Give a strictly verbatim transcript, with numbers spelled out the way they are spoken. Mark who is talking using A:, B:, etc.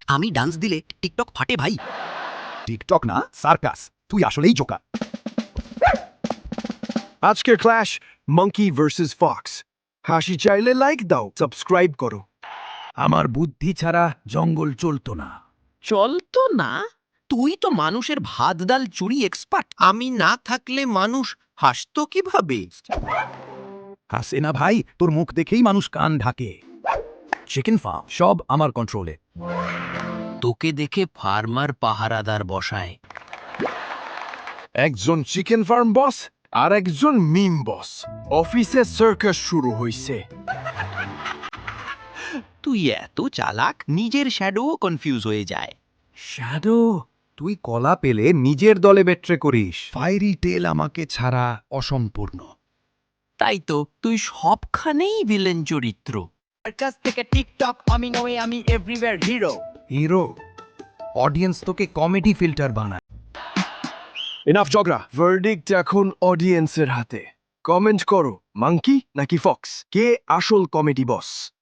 A: আমি ডান্স দিলে টিকটক ফাটে ভাই।
B: টিকটক না, সার্কাস। তুই আসলেই জোকা।
C: আজকের ক্লাস মাঙ্কি ভার্সেস ফক্স। হাসি চাইলে লাইক দাও, সাবস্ক্রাইব করো।
B: আমার বুদ্ধি ছাড়া জঙ্গল চলতো না।
D: চলতো না? তুই তো মানুষের ভাত ডাল চুরি এক্সপার্ট। আমি না থাকলে মানুষ হাসতো কিভাবে?
B: হাসে না ভাই, তোর মুখ দেখেই মানুষ কান ঢাকে। চিকেন ফার্ম সব আমার কন্ট্রোলে।
D: তোকে দেখে ফার্মার পাহারাদার বসায়।
C: একজন চিকেন ফার্ম বস আর একজন মিম বস। অফিসে সার্কাস শুরু হইছে।
D: তুই এত চালাক, নিজের শ্যাডোও কনফিউজ হয়ে যায়।
B: শ্যাডো, তুই কলা পেলে নিজের দলে বেট্রে করিস। ফায়ারি টেল আমাকে ছাড়া অসম্পূর্ণ।
D: তাই তো তুই সবখানেই ভিলেন চরিত্র।
E: সার্কাস থেকে টিকটক আমি নয় আমি এভরিওয়্যার হিরো।
B: হিরো, অডিয়েন্স তোকে কমেডি ফিল্টার বানায়।
C: এনাফ ঝগড়া। ভার্ডিক্ট এখন অডিয়েন্সের হাতে। কমেন্ট করো, মাঙ্কি নাকি ফক্স, কে আসল কমেডি বস?